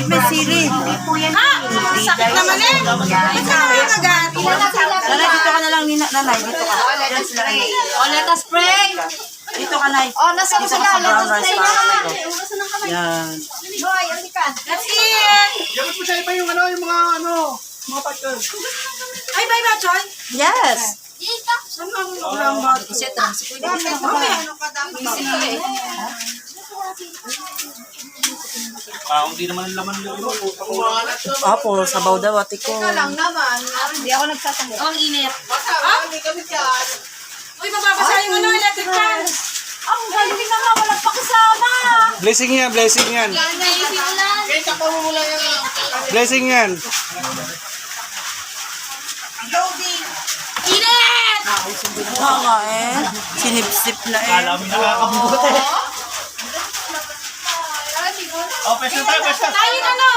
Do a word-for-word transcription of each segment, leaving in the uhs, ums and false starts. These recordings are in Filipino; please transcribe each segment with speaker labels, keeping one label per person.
Speaker 1: may sili.
Speaker 2: Ha? Sakit naman eh. Ba't ka naman agad?
Speaker 1: Nanay, dito ka na lang, Nina. Nanay, dito ka.
Speaker 2: O, let us pray.
Speaker 1: Dito ka, Nay.
Speaker 2: O, nasa ko
Speaker 1: Dito
Speaker 2: sila.
Speaker 1: ka sa
Speaker 2: Let
Speaker 1: brown
Speaker 2: us
Speaker 1: rice
Speaker 2: pray
Speaker 1: para
Speaker 2: na.
Speaker 1: sa'yo. Yan.
Speaker 2: Boy, alikan. That's it.
Speaker 3: Dapat mo siya iba yung ano, yung mga ano, mga partner.
Speaker 2: Ay, bye ba, Choy?
Speaker 1: Yes.
Speaker 2: Saan ang lambat?
Speaker 1: Kasi transfer.
Speaker 2: Mamaya, ano ka dapat?
Speaker 3: Ah, hindi naman ang laman yung ilo.
Speaker 1: Apo, sabaw daw, ate ko.
Speaker 2: lang naman. Hindi ako nagsasanggol. Ang init. Ah? Uy, mababasa yung ano, electric fan. Ang galing naman, walang pakisama.
Speaker 3: Blessing yan, blessing yan. Blessing yan.
Speaker 2: Init!
Speaker 1: Oo nga eh. Sinipsip na eh.
Speaker 3: Alam mo nakakabuti. Oh, pwesto tayo, pwesto.
Speaker 2: Tayo na no.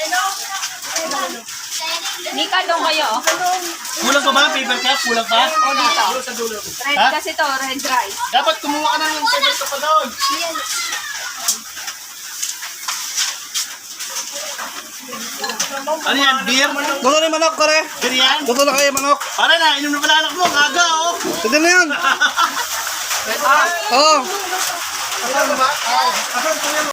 Speaker 4: Nika daw kayo.
Speaker 3: Kulang pa ba? Paper cup? Kulang pa?
Speaker 4: O dito. Red
Speaker 3: Ha?
Speaker 4: kasi to, red rice.
Speaker 3: Dapat kumuha ka ng paper cup pa doon. Ano yan? Beer?
Speaker 5: Gusto na yung manok, pare.
Speaker 3: Beer yan?
Speaker 5: Gusto na kayo manok.
Speaker 3: Para na, inom na pala anak mo. Ang aga, oh.
Speaker 5: Pwede na yan. Oo.